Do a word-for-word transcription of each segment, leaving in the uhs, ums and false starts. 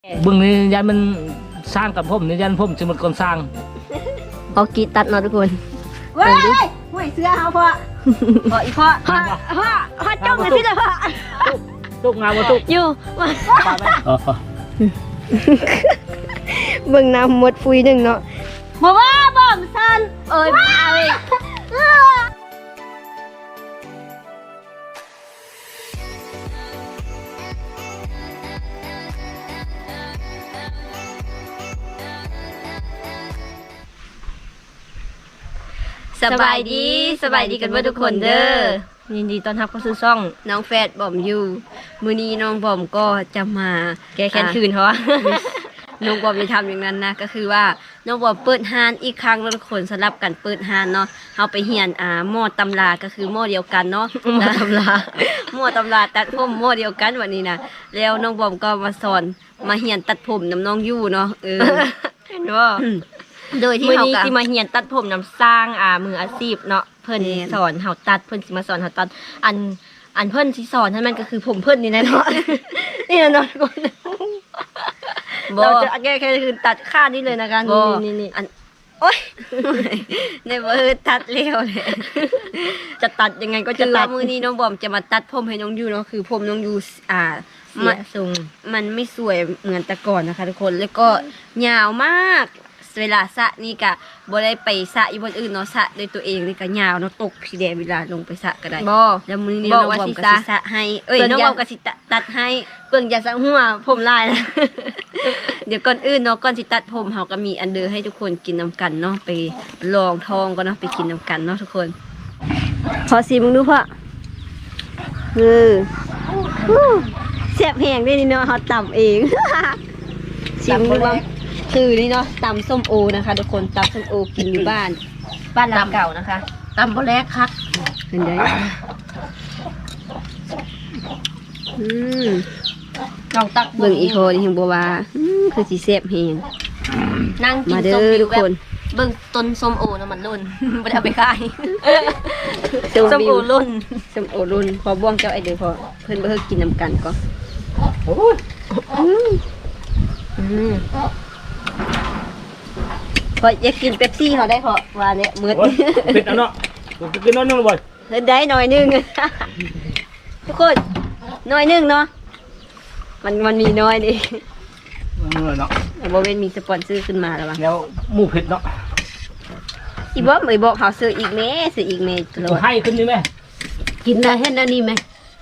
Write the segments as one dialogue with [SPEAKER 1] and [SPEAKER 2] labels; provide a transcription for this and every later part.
[SPEAKER 1] บึงนี้ยันมันสร้างกับผมนี่ยันผมจะหมดคนสร้าง
[SPEAKER 2] พอกีตัดเนาะทุกคน
[SPEAKER 3] เว้ยห่วยเสื้อเขาพ่อพ่ออีพ่อพ่อพ่อพ่อจ้องเลยพี่เลยพ่อ
[SPEAKER 1] ตุกงานมาตุก
[SPEAKER 2] อยู่มา
[SPEAKER 1] อ๋อ
[SPEAKER 2] เบิ่งน้ำหมดฟุยหนึ่งเนาะ
[SPEAKER 3] บอกว่าบ่มซัน
[SPEAKER 2] เอ้ยเอาเอง สบายดีสบายดีกันเพื่อทุกคนเด้อยินดีต้อนรับเข้าสู่ช่องน้องแฟดบอมอยู่มื้อนี้น้องบอมก็จะมาแก้แค้นคืนเขาว่า น้องบอมจะทำอย่างนั้นนะก็คือว่าน้องบอมเปิดห้านอีกครั้งแล้วทุกคนสลับกันเปิดห้านเนาะเราไปเฮียนอ่าหม้อตำราก็คือหม้อเดียวกันเนาะหม้อตำราหม้อตำราตัดผมหม้อเดียวกันวันนี้นะแล้วน้องบอมก็มาสอนมาเฮียนตัดผมน้ำน้องยู่เนาะเออเห็นว่าโดยที่เฮาก็สิมาเฮียนตัดผมนำสร้างอ่ามืออาชีพเนาะเพิ่นสอนเฮาตัดเพิ่นสิมาสอนเฮาตัดอันอันเพิ่นสิสอนให้มันก็คือผมเพิ่นนี่แน่เนาะ นี่นะเนาะทุกคนเราจะแก้แค่คือตัดค่านี่เลยนะคะนี่นี่นี่อันโอ๊ยในเบอร์ตัดเร็วเลยจะตัดยังไงก็จะตัดมือนี้น้องบอมจะมาตัดผมให้น้องยูเนาะคือผมน้องยูอ่ามันมันไม่สวยเหมือนแต่ก่อนนะคะทุกคนแล้วก็ยาวมากเวลาสระนี่กะบ่ได้ไปสระอยู่บนอื่นเนาะสระด้วยตัวเองนี่กะยาวเนาะตกพี่แดงเวลาลงไปสระก็ได้บ่แล้วมื้อนี้น้องบอมก็สิสระให้เอ้ยน้องบอมก็สิตัดให้เบิ่งอย่าสังหัวผมลายนะ เดี๋ยวก่อนอื่นเนาะก่อนสิตัดผมเฮาก็มีอันเดอร์ให้ทุกคนกินนำกันเนาะไปลองทองก็เนาะไปกินนำกันเนาะทุกคนขอสิมึงดูพ่อเออแซ่บแห้งด้วยนี่เนาะเฮาตำเอง ชิมดูว่าคือนี่เนาะตำส้มโอนะคะทุกคนตำส้มโอกินอยู่บ้านบ้านหลังเก่านะคะ
[SPEAKER 3] ตำบ่แรกคัก
[SPEAKER 2] เห็นได้อืม
[SPEAKER 3] ลองตัก
[SPEAKER 2] เบิ่งอีโคนี่เห็นบ่ว่าอืมคือสิแซ่บแฮง
[SPEAKER 3] นั่งกิ
[SPEAKER 2] มาน เด้
[SPEAKER 3] ส้ม
[SPEAKER 2] อ
[SPEAKER 3] อ
[SPEAKER 2] ทุ
[SPEAKER 3] ยู่
[SPEAKER 2] ก
[SPEAKER 3] แบ
[SPEAKER 2] ค
[SPEAKER 3] บ
[SPEAKER 2] น
[SPEAKER 3] เบิ่งต้นส้มโอนะมันล่น บ่ได้เอาไปขาย
[SPEAKER 2] ส้ม
[SPEAKER 3] ส้ม
[SPEAKER 2] วิ
[SPEAKER 3] โอ
[SPEAKER 2] ว
[SPEAKER 3] ล่น
[SPEAKER 2] ส้มโอรุ่นพอบ่วงเจ้าไอเด้อพอเพิ่นบ่เฮ็ดกินนำกันก็
[SPEAKER 1] โอ้ย
[SPEAKER 2] อืมพออยากกินเป๊ปซี่เขาได้พอว่าเนี่ยมื้อ
[SPEAKER 1] ปิดเอาเนาะกินน้อยนึงบ่อย
[SPEAKER 2] เฮ็ดได้หน่อยนึง ทุกคนหน่อยนึงเนาะมันมันมีน้อยดิ
[SPEAKER 1] เนาะ
[SPEAKER 2] แต่บ่เว้นมีสปอนเซอร์ขึ้นมาแล้วว่ะ
[SPEAKER 1] แล้วหมูเผ็ดเนาะ
[SPEAKER 2] อีบ่เอ้ยบอกเฮาซื้ออีกแม่ซื้ออีกแม่ตลอด
[SPEAKER 1] ให้ขึ้นนี่ไหม
[SPEAKER 3] กินได้เฮ็ดแล้วนี่ไหม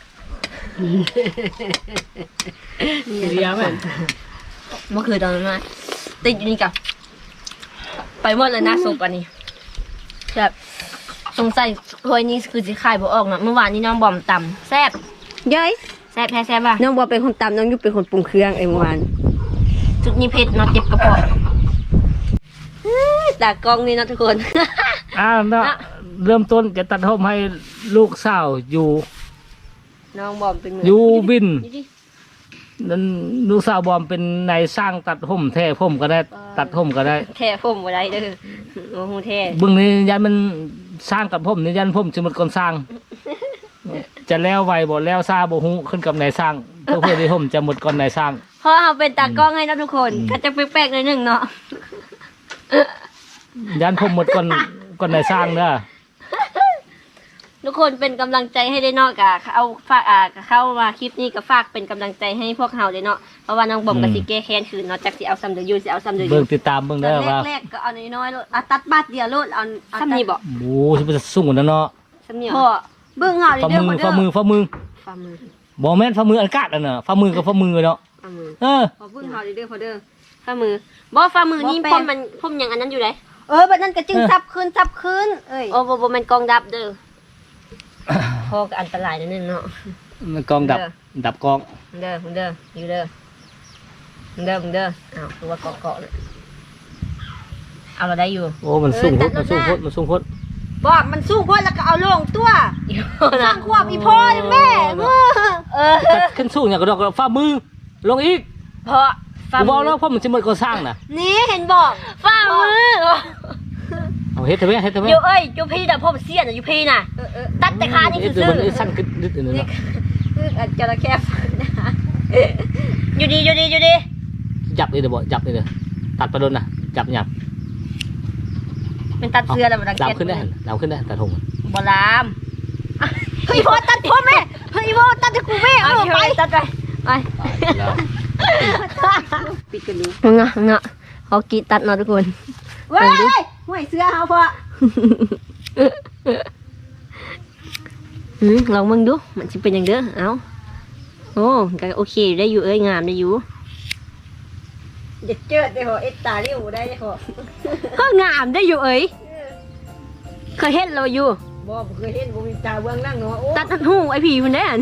[SPEAKER 1] เรียไหม
[SPEAKER 3] เมื่อคืนตอนนั้นมาติดอยู่นี่กับไปหมดเลยนะสุกอันนี้แบบสงสัยถ้วยนี้คือสิขายบ่ออกนะเมื่อวานนี้น้องบอมตำแซ่บ
[SPEAKER 2] ย้อย
[SPEAKER 3] แซ่บแท้แซ่บป่ะ
[SPEAKER 2] น้องบ่เป็นคนตำน้องอยู่เป็นคนปรุงเครื่องเอ้ยเมื่อวาน
[SPEAKER 3] จุดนี้เผ็ดเนาะเจ็บกระเพาะ
[SPEAKER 2] ตากล้องนี่เนาะทุกคน
[SPEAKER 1] อ่าเนาะเริ่มต้นจะตัดผมให้ลูกสาวอยู่
[SPEAKER 2] น้องบอมเป็นมื
[SPEAKER 1] อยู่บิน
[SPEAKER 2] นี่ดิ
[SPEAKER 1] นั่นลูกสาวบอมเป็นนายสร้างตัดผมแท้ผมก็ได้ตัดผมก็ได้
[SPEAKER 2] แท้ผมบ่ได้เด้อโอ้โหแท้
[SPEAKER 1] บึงนี้ยันมันสร้างกับผมนี่ยันผมจะหมดคนสร้าง จะแล้วไวบ่แล้วซาบ่ฮู้ขึ้นกับนายสร้างเพื่อเพื่อที่ผมจะหมดก่อนนายสร้าง
[SPEAKER 2] เพราะเราเป็นตากล้องให้นะทุกคนก็จะแปลกๆหน่อยหนึงเนาะ
[SPEAKER 1] ยันผมหมดก่อนก่อนนายสร้างเด้อ
[SPEAKER 2] ทุกคนเป็นกำลังใจให้ได้เนาะกะเอาฝากอ่าเข้ามาคลิปนี้ก็ฝากเป็นกำลังใจให้พวกเราเลยเนาะเพราะว่าน้องบอมกับสิแก้แค้นคืนเนาะจากสิเอาซ้ำเดือดยูสิเอาซ้ำเดือด
[SPEAKER 1] เบิ่
[SPEAKER 2] ยู
[SPEAKER 1] งติดตามเบิ่ง
[SPEAKER 2] ตอ
[SPEAKER 1] เด้อน ว่า
[SPEAKER 2] แรกๆก็เอาน้อยๆโลดเอาตัดบาทเดียวโลดเอาซ้ำนี่บอก
[SPEAKER 1] โอ้สิไปสูงกว่านั้นเนาะ
[SPEAKER 2] ซ้ำนี่พ่อเบิ่งเอา
[SPEAKER 1] ฝ่า
[SPEAKER 2] เด้อ
[SPEAKER 1] มือ
[SPEAKER 2] เด้อ
[SPEAKER 1] ฝ่ามือฝ่ามือ
[SPEAKER 2] ฝ่ามือ
[SPEAKER 1] บ่แม่นฝ่ามืออากาศอ่ะเนาะฝ่ามือกับฝ่ามือเนาะ
[SPEAKER 2] ฝ่ามือ
[SPEAKER 1] เออ
[SPEAKER 2] พอเบิ่งเอาเด้อพอเด้อฝ่ามือบ่ฝ่ามือนี่พ่มมันพ่มอย่างอันนั้นอยู่ไหนเออบัดนั้นก็จึงซับคืนซับคืนเอ้ยโอ้บ่บ่แม่นกองดับเด้อ พอก็อันตรายนิดนึงเนาะ
[SPEAKER 1] มันกองดับดับกอง
[SPEAKER 2] เด้อมึงเด้ออยู่เด้อมึงเด้อมึงเด้ออ้าวคือว่าเกาะเกาะเลยเอาเราได้อยู่
[SPEAKER 1] โอ้มันสูงโพดมันสูงโพดมันสูงโพด
[SPEAKER 3] บอกมันสู้คนแล้วก็เอาลงตัวสร้างความอีพ่อแม่เมื่อ
[SPEAKER 2] เออ
[SPEAKER 1] ขึ้นสูงอย่างกระดอกฝ่ามือลงอีก
[SPEAKER 2] เพราะ
[SPEAKER 1] กูบอกแล้วเพราะมันจะหมดก่อสร้างน่ะ
[SPEAKER 3] นี่เห็นบอก
[SPEAKER 2] ฝ่ามือ
[SPEAKER 1] เอาเฮ็ดเถอะแม่เฮ็ดเถอะแม่
[SPEAKER 2] อยู่เอ้ยอยู่พี่แต่พ่อเสียน่ะอยู่พี่น่ะตัดแต่ขานี่
[SPEAKER 1] เฮ็
[SPEAKER 2] คื
[SPEAKER 1] ด
[SPEAKER 2] อ
[SPEAKER 1] เถอะ
[SPEAKER 2] ซื้อ
[SPEAKER 1] มันสั้นขึ้นนิดนึง
[SPEAKER 2] นี่
[SPEAKER 1] เนาะ
[SPEAKER 2] คืออันจระเข้ฟันนะอยู่ดีอยู่ดีอยู่ดี
[SPEAKER 1] จับนี่เดี๋ยวบ่จับนี่เดี๋ยวตัดไปโดนนะจับหยับ
[SPEAKER 3] เป็นตัดเสื้อแล้วบ่ดัง
[SPEAKER 1] ดาว
[SPEAKER 3] แก๊ส
[SPEAKER 1] ขึ้นได้หันดาวขึ้นได้ตัดหง
[SPEAKER 3] บ่ลามเฮ้ยพ่อตัดผมแม่เฮ้ยพ่อตัดให้กูแม่เออไปตัดไปไป
[SPEAKER 1] แล้ว
[SPEAKER 2] ปิดกันดู
[SPEAKER 3] งะงะเขากีตัดเนาะทุกคน
[SPEAKER 2] เว้ยห่วยเสื้อเฮาพ่อ
[SPEAKER 3] อืมลองมึงดูมันจะเป็นอย่างเด้อเอาโอ้ก็โอเคได้อยู่เอ้ยงามได้อยู่
[SPEAKER 2] อย่าเจิดได้พอเอ็ดตาเรียวได้พอ
[SPEAKER 3] ก็งามได้อยู่เอ้ยเคยเห็นเราอยู่
[SPEAKER 2] บ่เคยเห็นบ่มีตาเบื้องนั่งเนาะโอ้
[SPEAKER 3] ตัดตัดหูไอผีมันได้อ่ะ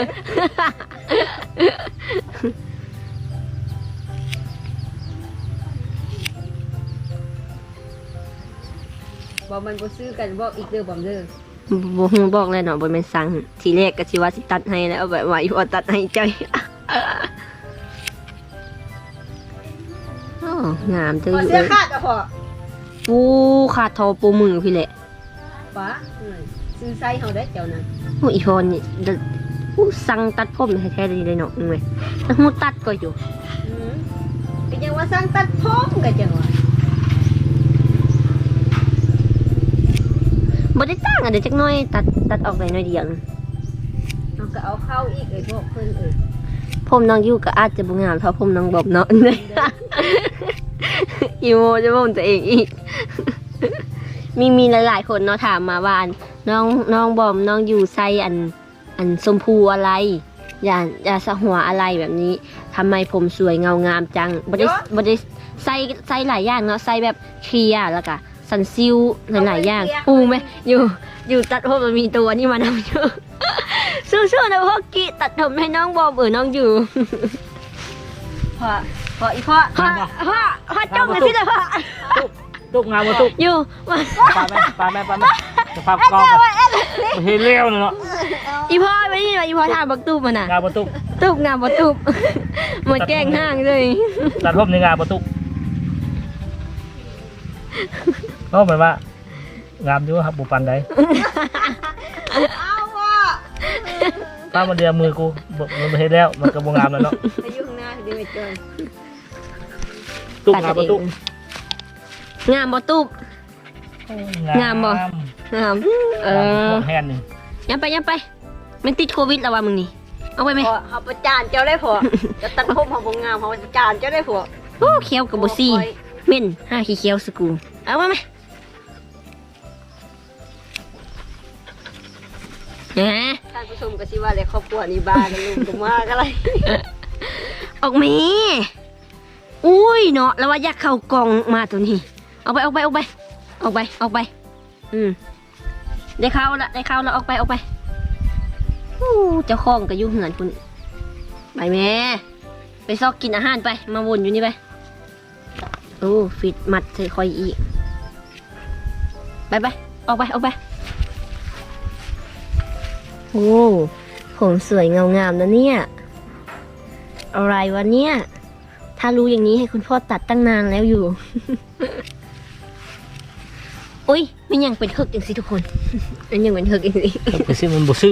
[SPEAKER 2] บ่มันบ่ซื้อกันบ่อีกเด้อบ่เด้อ
[SPEAKER 3] บ่ฮู้บอกเลยเนาะบ่แม่นสั่งทีแรกก็สิว่าสิตัดให้แล้วแบบว่าอีพอตัดให้ใจโอ้งามจัง
[SPEAKER 2] พอ
[SPEAKER 3] อยู่
[SPEAKER 2] เสื้อ
[SPEAKER 3] เอ้ย
[SPEAKER 2] ขาดอ่ะพอ
[SPEAKER 3] ปูขาดทอปูมือพี่แหละ
[SPEAKER 2] ป้าซื้อไซส์เฮาได้เจ้านั้น
[SPEAKER 3] โอ้อีพอนี่เด้อผู้สั่งตัดผมแท้ๆเลยเนาะเว้ยแล้วฮู้ตัดก็อยู่
[SPEAKER 2] อืมก็ยังว่าสร้างตัดผมก็จังว่า
[SPEAKER 3] บ่ได้ตั้งอ่ะเดี๋ยวจักหน่อยตัดตัดออกได้หน่อยเดียวนึง
[SPEAKER 2] เฮาก็เอาเข้าอีกไอ้พวกเพิ่นเอ้ย
[SPEAKER 3] ผมน้องอยู่ก็อาจจะบ่งามเท่าผมน้องบอบเนาะ อีโมจะบ่มตัวเองอีก มีมีหลายๆคนเนาะถามมาว่าอันน้องน้องบอมน้องอยู่ไซอันอันชมพูอะไร อย่าอย่าสะหัวอะไรแบบนี้ทำไมผมสวยเงางามจังบ่ได้บ่ได้ใส่ใส่หลายอย่างเนาะใส่แบบเคลียร์แล้วก็สันซิลหลายๆอย่างปูไหมอยู่อยู่ตัดผมมันมีตัวนี่มานำอยู่ สู้ๆนะพ่อกิตัดผมให้น้องบอมเออน้องอยู่
[SPEAKER 2] พอพออีพ่อ
[SPEAKER 3] พ่อพ่อพ่อจ้องกันสิเลยพ่อ
[SPEAKER 1] ตุ๊กงามมาตุ๊ก
[SPEAKER 3] อยู่มา
[SPEAKER 1] ปลาแม่ปลาแม่ปลาแม่สภาพกองเฮเลี้ยวเนาะ
[SPEAKER 3] อีพ่อไม่ได้ยินว่าอีพ่อถามบักตูบมันน่ะ
[SPEAKER 1] งามมาตุ๊ก
[SPEAKER 3] ตูบงามบ่ตูบ มันแกล้งห้างเลย
[SPEAKER 1] ตัดผมในงามมาตุ๊กก็เหมือนว่างามอยู่ครับบุปันใด
[SPEAKER 2] เอาพ่อ
[SPEAKER 1] ป้ามาเดียวมือกูบอกมันเฮแล้วมันก็บ่งามแล้วเนาะ
[SPEAKER 2] ไปอยู่ข้างหน้าดีไปจอย
[SPEAKER 1] ตุ๊กงามมาตุ๊ก
[SPEAKER 3] งามบ่ตูบ งามบ่ งามเออ
[SPEAKER 1] แฮนหนึ่ง
[SPEAKER 3] ยับไปยับไปมันติดโควิดแล้วว่ะมึงนี่เอาไปไหม
[SPEAKER 2] พอเฮาประจานเจ้าได้พอจะตัดผมเฮาบ่งามเฮาประจานเจ้าได้พอ
[SPEAKER 3] โอ้เคี้ยวกับบ่ซี่เม่นห้าขี้เคี้ยวสกูเอามาไหมนะ
[SPEAKER 2] ท่านผู้ชมก็สิว่าเลยครอบครัวนี้บ้ากันลุงก็มากอะไร
[SPEAKER 3] ออกมาอุ้ยเนาะแล้วว่าอยากเข้ากล่องมาตัวนี้เอาไปเอาไปเอาไปออกไปออกไปอืมได้เข้าละได้เข้าแล้วออกไปออกไปอู้เจ้าของก็อยู่เหือนคุณไปแม่ไปซอกกินอาหารไปมาวนอยู่นี่ไปโอ้ฟิตมัดเธอคอยอีกไปไปออกไปออกไปโอ้ผมสวยเงางามนะเนี่ยอะไรวะเนี่ยถ้ารู้อย่างนี้ให้คุณพ่อตัดตั้งนานแล้วอยู่ อุ้ยมันยังเป็นเฮกอย่างสิทุกคน มันยังเป็นเฮกอย่างสิ
[SPEAKER 1] ไปซื้อมันบ่ซื้อ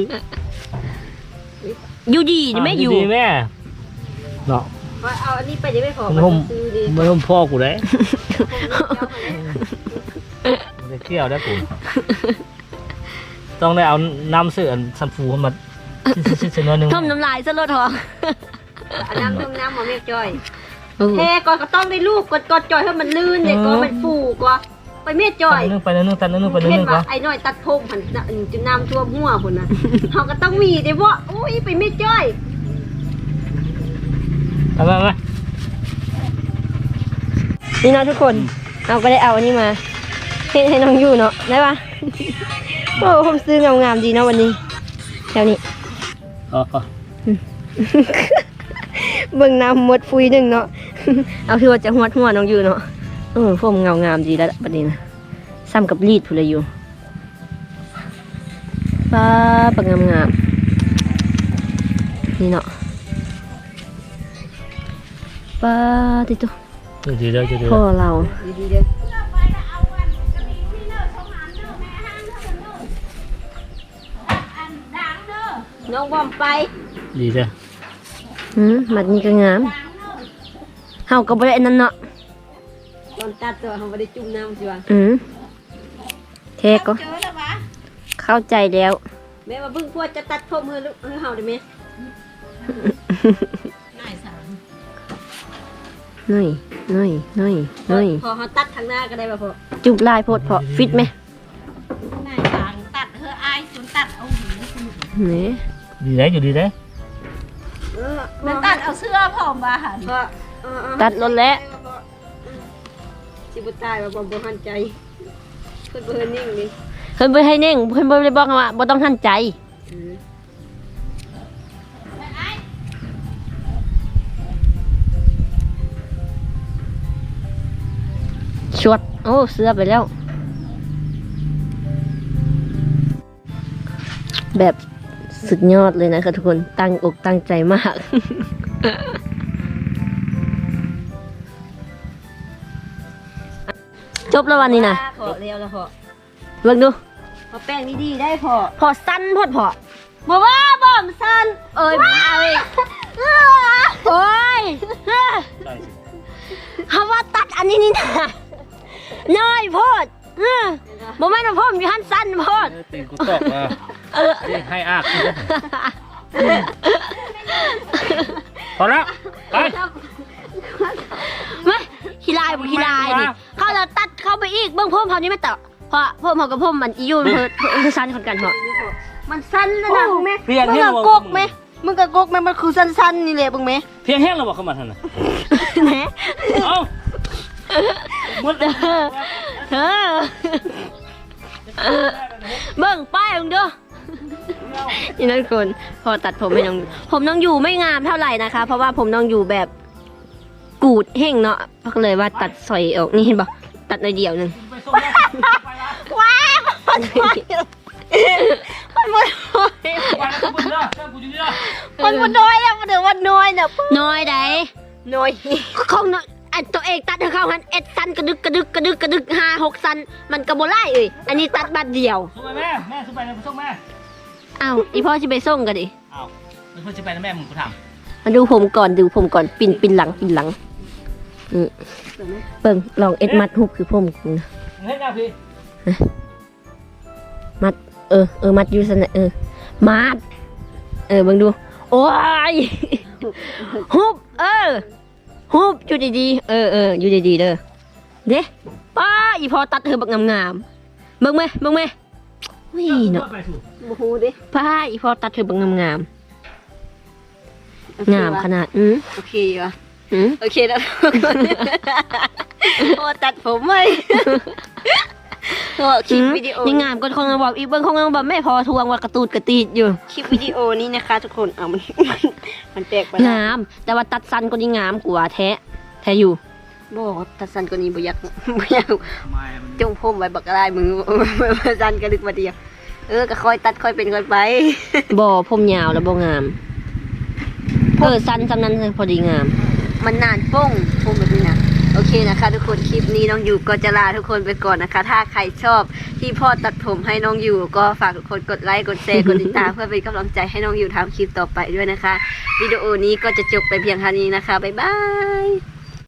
[SPEAKER 3] อยู่ดีนี่ไม่อยู่
[SPEAKER 1] ดีแม่เนาะ
[SPEAKER 2] ว่าเอาอันนี้ไปได้ไม่พอ
[SPEAKER 1] มัน
[SPEAKER 2] มั
[SPEAKER 1] ห่ม
[SPEAKER 2] นซื้อดี
[SPEAKER 1] มันห่มพ่อกูได้มันจะเกี่ยวได้กูต้องได้เอาน้ำเสื่อซัมฟูมาซิซิน้อยนึง
[SPEAKER 3] ท่มน้ำลายซะรถหรอ
[SPEAKER 2] อันน้ำต้มน้ำมาเมียจอยเฮ้ก่อนก็ต้องได้ลูกกดกดจอยให้มันลื่นเนี่ยก็มันฟูก็ไปเมียจอย
[SPEAKER 1] นึงไปนึงตัดนึงไปนึ
[SPEAKER 2] เห็น
[SPEAKER 1] งก่อ
[SPEAKER 2] ว่าน ไอ้น้อยตัดผมหันจะน้ำท่วมหัวคนน่ะเขาก็ต้องมีเด้บ่อุ้ยไปเมียจอย
[SPEAKER 1] เอาไปไป
[SPEAKER 3] นี่เนาะทุกคนเอาก็ได้เอาอันนี้มาให้ให้น้องอยู่เนาะได้ปะโอ้ผมซื้องามๆดีเนาะวันนี้แถวนี้
[SPEAKER 1] อ๋อ
[SPEAKER 3] เบิ่งน้ำหมดฟุยหนึ่งเนาะ เอาที่ว่าจะหัวหัวน้องอยู่เนาะเออผมเงางามดีแล้วประเด็นนะซ้ำกับรีดพูเลยอยู่ป้าปังงามงามนี่เนาะป้าติดตัว
[SPEAKER 1] ดีเลยดีเลย
[SPEAKER 3] พ่อเรา
[SPEAKER 2] ดีๆเด้อน้องบอมไป
[SPEAKER 1] ดีเลย
[SPEAKER 3] อืมมัดนี้ก็งาม
[SPEAKER 2] เฮาก็บ่ได้อันนั้นเนาะ
[SPEAKER 3] ตอนตัดตัวเขาไม่ได้จุ่มน้ำสิวะ
[SPEAKER 2] อืมเทก็เข้าใจแล้ว
[SPEAKER 3] แม่ว่าเพิ่งพวดจะตัดผมเฮ้ลูกเฮ้เฮาได้ไหม
[SPEAKER 2] น้อยน้อยน้อยน้อย
[SPEAKER 3] พอเขาตัดทางหน้าก็ได้ป่ะพ่อ
[SPEAKER 2] จุบลายโพดพอฟิตไหม
[SPEAKER 3] นายทางตัดเฮ้ออายสุนตัดเอาหู
[SPEAKER 2] นี่
[SPEAKER 1] ดีได้อยู่ดีได้
[SPEAKER 3] เออ
[SPEAKER 4] มันตัดเอาเสื้อผอมมาหัน
[SPEAKER 3] พ่อเออเออ
[SPEAKER 2] ตัดรถแล้ว
[SPEAKER 3] สิบุตายว่าบ่บ่หันใจเพิ่นบ่เฮ็ดนิ่งนี่
[SPEAKER 2] เพิ่นบ่ให้เน่งเพิ่นบ่ได้บอกว่าบ่ต้องทันใจชวดโอ้เสื้อไปแล้ว แบบสุดยอดเลยนะคะทุกคนตั้งอกตั้งใจมาก จบแล้ววันนี้นะ
[SPEAKER 3] พอแล้วแล้วพ่อ
[SPEAKER 2] เบิ่งดู
[SPEAKER 3] พอแป้งนี่ดีได้พ่อ
[SPEAKER 2] พอสั้นพอดพอ
[SPEAKER 3] บ่ว่าบ่มสั้นเอ้ยมาเอ้ย
[SPEAKER 2] โอ้ย
[SPEAKER 1] ใช่สิ
[SPEAKER 2] คำว่าตัดอันนี้นี่นะน้อยโพดเออบ่แม่นว่าพ่อมอยู่หันสั้นโพด
[SPEAKER 1] เออตีนกูตอกอ่ะเรียกให้อากกูพอแล้วไป
[SPEAKER 2] ไม่ขี้ลายบ่ขี้ลายนี่เขาเราตัดเข้าไปอีกเบิ่งพ่อมเขานี่ไม่ต่อเพราะพ่อมเขากับพ่อมมันอีอยู่เพิ่นเพิ่นสั้นคนกันเหรอ
[SPEAKER 3] มันสั้นแล้วนะมึงแม่
[SPEAKER 1] เพียง
[SPEAKER 3] มึง
[SPEAKER 1] แห้ง
[SPEAKER 3] ก็
[SPEAKER 1] เรา
[SPEAKER 3] กกไหมมึงก็กกไหมมันคือสั้นๆนี่แหละมึงแม่
[SPEAKER 1] เพียงแห้งเราบอกเข้ามาทันน่ะ
[SPEAKER 2] แหม
[SPEAKER 1] เอ้าหมด
[SPEAKER 2] เด้อเออเบิ่งป้ายมึงเด้อนี่นั่นคนพอตัดผมให้น้องผมน้องอยู่ไม่งามเท่าไหร่นะคะ เพราะว่าผมน้องอยู่แบบกูดเฮ่งเนาะก็เลยว่าตัดสอยออกนี่เห็นปะตัดหน่อยเดียวหนึง
[SPEAKER 1] ไปส่งแล้ว
[SPEAKER 3] ว้าวมันมันมันมัน
[SPEAKER 1] ไปแล้วกูบุญเด้อเจ้ากูอยู่นี่เด้อ
[SPEAKER 3] มันมันน้อยแล้วมันเดี๋ยวมันน้อยเนี่ย
[SPEAKER 2] น้อยใด
[SPEAKER 3] น้อย
[SPEAKER 2] ของน้อยอันตัวเองตัดให้เข้าหันเอ็ดสันกระดึกกระดึกกระดึกกระดึกห้าหกสันมันกระโบไล่เอ้ยอันนี้ตัดบัดเดียว
[SPEAKER 1] ส่งไปแม่แม่ส่งไปเลยไปส่งแม่
[SPEAKER 2] อ้าวอีพ่อจะไปส่งกันดิ
[SPEAKER 1] อ้าวมันเพื่อจะไปนะแม่มึงกูถาม
[SPEAKER 2] มาดูผมก่อนดูผมก่อนปินปินหลังปินหลังอืมเบิ่งลองเอ็ดมัดหุบคือผมกูนะ
[SPEAKER 1] เฮ้ยนะพี่
[SPEAKER 2] มัดเออเออมัดอยู่สนะเออมัดเออเบิ่งดูโอ้ยหุบเออหุบอยู่ดีๆเออเอออยู่ดีๆเด้อเด้ป้าอีพ่อตัดเธอบักงามๆเบิ่งไหมเบิ่งไหมวิ่งเนาะ
[SPEAKER 1] ไปสู่
[SPEAKER 3] บูฮูดิ
[SPEAKER 2] ป้าอีพ่อตัดเธอบักงามๆงามขนาดอืม
[SPEAKER 3] โอเคว่ะ
[SPEAKER 2] อืม
[SPEAKER 3] โอเคแล้วโอ้ตัดผมไหมโอ้คลิปวิดีโอ
[SPEAKER 2] ยังงามก็คงบอกอีกเบิ่งคงบอกแม่พอทวงว่ากระตูดกระตีดอยู่
[SPEAKER 3] คลิปวิดีโอนี้นะคะ ทุกคนเอามันมันมันแตกไป
[SPEAKER 2] งาม แต่ว่าตัดสั้นก็ยิ่งงามกว่าแท้แท้อยู่
[SPEAKER 3] บอกตัดสั้นกว่านี้บ่อยากบ่อยาก
[SPEAKER 1] ไม่มัน
[SPEAKER 3] จงผมไว้บักอะไรมือสั้นกระดึกมาเดียวเออก็ค่อยตัดค่อยเป็นค่อยไป
[SPEAKER 2] บ่ผมยาวแล้วบ่งามเออสั้นสำนั้นพอดีงาม
[SPEAKER 3] มันนานป้งป้งแบบนี้นะโอเคนะคะทุกคนคลิปนี้น้องอยู่ก็จะลาทุกคนไปก่อนนะคะ ถ้าใครชอบที่พ่อตัดผมให้น้องอยู่ก็ฝากทุกคนกดไลค์กดแชร์กดติดตามเพื่อเป็นกำลังใจให้น้องอยู่ทำคลิปต่อไปด้วยนะคะวิดีโอนี้ก็จะจบไปเพียงเท่านี้นะคะบ๊ายบาย